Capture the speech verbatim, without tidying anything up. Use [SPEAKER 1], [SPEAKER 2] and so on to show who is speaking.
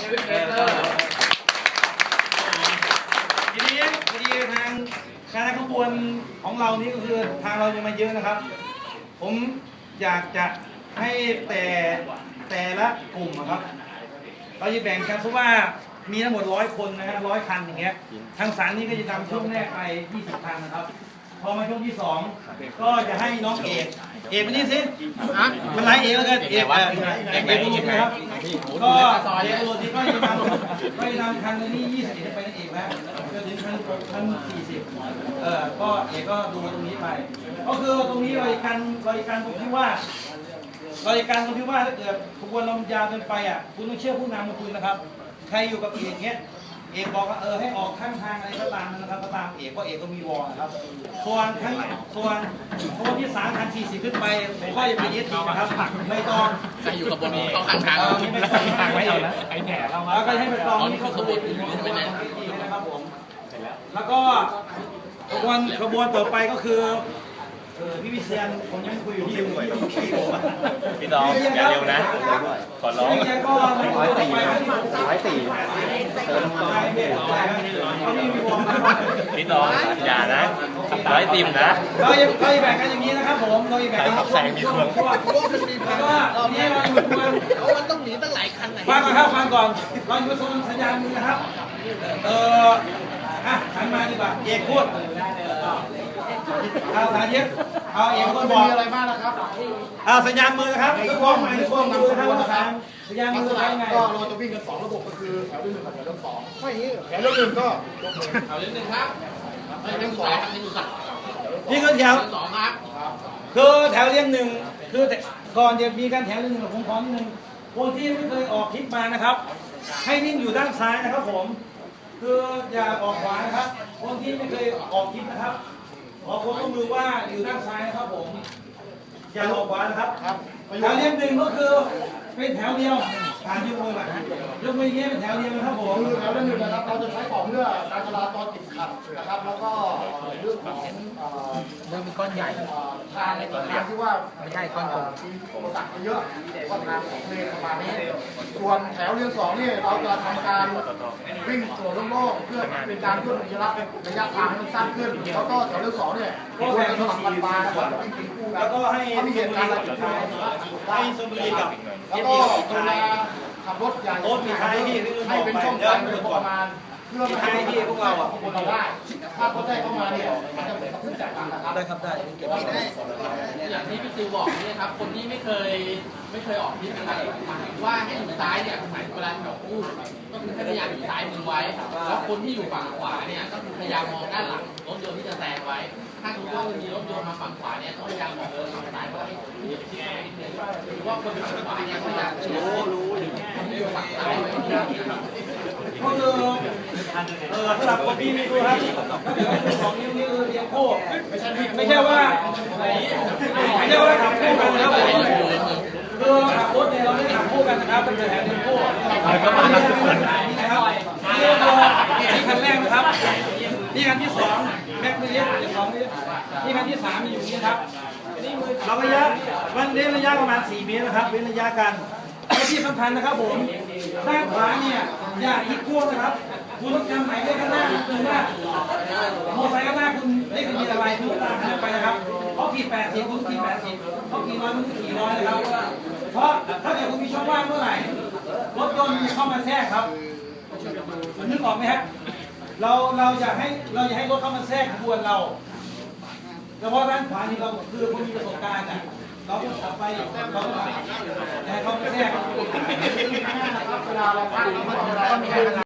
[SPEAKER 1] ทีนี้ทีนี้ทางคณะขบวนของเรานี่ก็คือทางเรายังมาเยอะนะครับผมอยากจะให้แต่แต่ละกลุ่มครับเราจะแบ่งกันเพราะว่ามีทั้งหมดร้อยคนนะฮะร้อยคันอย่างเงี้ยทางสารนี้ก็จะนำช่วงแรกไปยี่สิบคันนะครับพอมาช่วงที่สองก็จะให้น้องเอกเอกไปนี่สิมันไรเอกแล้วกันเอกเอกเอกบุรุษนะครับก็เอกบุรุษที่ก็จะนำก็จะนำคันนี้ยี่สิบไปนั่นเองแล้วจนถึงคันคันสี่สิบเออก็เอกก็ดูตรงนี้ไปก็คือตรงนี้บริการบริการตรงที่ว่าบริการตรงที่ว่าถ้าเกิดขบวนลมยาวเกินไปอ่ะคุณต้องเชื่อผู้นำของคุณนะครับใครอยู่กับเอกเงี้ยเอกบอกว่าเออให้ออกข้างทางอะไรก็ตามนะครับก็ตามเอกเพราะเอกก็มีวอลนะครับส่วนทั้งส่วนคนที่สามคันสี่สิบขึ้นไปผมก็จะไปยึดอีกนะครับไม่ต้อง
[SPEAKER 2] ใครอยู่กับบนเขาข้างทาง
[SPEAKER 1] ไม่ต้องทางไม่เอานะไอ้แหน่เราแล้วก็ให้ไปตอง
[SPEAKER 2] นี่คือขบวนอื่นใช่ไหมเนี่ย
[SPEAKER 1] นะครับผมแล้วก็ขบวนขบวนต่อไปก็คือพี่วิเชียนผมยังคุยอยู่ที่พี่
[SPEAKER 3] พี่น้องอย่าเร็วนะขอร้อง
[SPEAKER 1] ร้อยสี่
[SPEAKER 3] ร้อยสี่เติมพี่น้องอย่านะร้อยติมนะ
[SPEAKER 1] เราจะเราจะแบ่งกันอย่างนี้นะครับผมเราจะแบ่งกัน
[SPEAKER 3] แสงมีเครื่อง
[SPEAKER 1] แล้วก็นี่เราอยู่บน
[SPEAKER 2] มันต้องหนีตั้งหลายคันไหน
[SPEAKER 1] ฟังก่อนครับฟังก่อนเราอยู่บนสัญญาณมือนะครับเอออ่ะหันมาดีกว่าเอกพูดเอาสาธิตเอาเอกคนบอก
[SPEAKER 4] มีอะไรบ้างนะครับ
[SPEAKER 1] เอาสัญญาณมือนะครับทุกคนใหม่ทุกคนมือนะครับว่าสัญญาณมือเป็นไง
[SPEAKER 4] ก็เราจะวิ่งกันสองระบบก็คือแถวที่หนึ่งกับแถวที่สองไม่อย่างนี้แถวที่หนึ่งก็
[SPEAKER 2] แถวที่หนึ่งครับแถวที่สองครับ
[SPEAKER 1] นี่คือแถว
[SPEAKER 2] สองครับ
[SPEAKER 1] คือแถวเรียงหนึ่งคือก่อนจะมีการแถวเรียงหนึ่งผมขอนิดนึงคนที่ไม่เคยออกคลิปมานะครับให้นิ่งอยู่ด้านซ้ายนะครับผมคืออย่าออกขวานะครับคนที่ไม่เคยออกคลิปนะครับขอความร่วมมือว่าอยู่ด้านซ้ายนะครับผมอย่าออกขวานะครับแถวเรียงหนึ่งก็คือเป็นแถวเดียวผ่านยกมือแบบยกมืออย่างเงี้ยเป็นแถวเดียวนะครับผม
[SPEAKER 4] คือแถวเรียงหนึ่งนะครับเราจะใช้ของเพื่อการจราจรติดขัดนะครับแล้วก็เรื่องของ
[SPEAKER 2] เรื่องเป็นก้อนใหญ่
[SPEAKER 4] ทางทางที่ว่า
[SPEAKER 2] ไม่ใช่ก้อนกลม
[SPEAKER 4] มีอุปสรรคเยอะก็ทางของเลนประมาณนี้ส่วนแถวเรียงสองนี่เราจะทำการวิ่งตัวโล่งๆเพื่อเป็นการเพิ่มระยะระยะทางให้สั้นขึ้นแล้วก็แถวเรียงสองเนี่ยก็จะสลับกันมานะครับวิ่งเป็นคู่กัน
[SPEAKER 1] แล้วก็ให้
[SPEAKER 4] ถ้ามีเหตุการณ์อะไรเกิดขึ้น
[SPEAKER 1] ให้สมุรีกับ
[SPEAKER 4] แล้วก็เวลาขับรถใหญ่
[SPEAKER 1] รถมีท้ายที่
[SPEAKER 4] ให้เป็นช่องไฟประมาณเพื่อไม่ให้
[SPEAKER 1] ที่พวกเราอ่ะ
[SPEAKER 4] พวกเราได้ถ้าเขาได้เข้ามาเนี่ยมันจะเหมือนกับขึ้นจากกันนะครับ
[SPEAKER 1] ได้ครับได้เก็บไว้ได้
[SPEAKER 2] อย่างที่พี่ซิวบอกนี่ครับคนที่ไม่เคยไม่เคยออกที่นะครับว่าให้อยู่ซ้ายเนี่ยหมายถึงเวลาแถวคู่ก็คือพยายามอยู่ซ้ายมือไว้แล้วคนที่อยู่ฝั่งขวาเนี่ยก็คือพยายามมองด้านหลังรถยนต์ที่จะแซงไว้ถ้าสมมติว่ามีรถยนต์มาฝั่งขวาเนี่ยต้องพยายามมองเออฝั่งซ้ายว่าให้ที่ที่ไหนนิดนึงหรือว่าคนฝั่งขวาเนี่ยพยายามรู้รู้อยู่ฝั่งซ้ายไว้ที่นี่
[SPEAKER 1] ก็คือเออสำหรับคนที่ไม่รู้ครับถ้าเกิดว่าสองนิ้วนี่คือเรียงโค้ไม่ใช่ไม่ใช่ว่าไม่ใช่ว่าขับคู่กันนะครับคือขับรถเนี่ยเราไม่ได้ขับคู่กันนะครับเป็นแถวเรียงโค้นี่นะครับนี่คันแรกนะครับนี่คันที่สองแม็กซ์นี่สองนี่นี่คันที่สามอยู่นี่ครับเราระยะวันเว้นระยะประมาณสี่เมตรนะครับเว้นระยะกันและที่สำคัญนะครับผมด้านขวาเนี่ยอย่าอีกขั้วนะครับคุณต้องจำหมายเลขข้างหน้าคือว่ามอเตอร์ไซค์ข้างหน้าคุณเลขทะเบียนอะไรคุณตามไปนะครับเขาขี่แปดสิบคุณขี่แปดสิบเขาขี่ร้อยคุณขี่ร้อยนะครับเพราะถ้าเกิดคุณมีช่องว่างเมื่อไหร่รถยนต์เข้ามาแทรกครับนึกออกไหมฮะเราเราอยากให้เราอยากให้รถเข้ามาแทรกขบวนเราเฉพาะด้านขวานี่เราคือคนมีประสบการณ์อ่ะเราก็ขับไปเราก็ให้เขาไม่แทรก
[SPEAKER 4] เวลาเราพักเราก็มี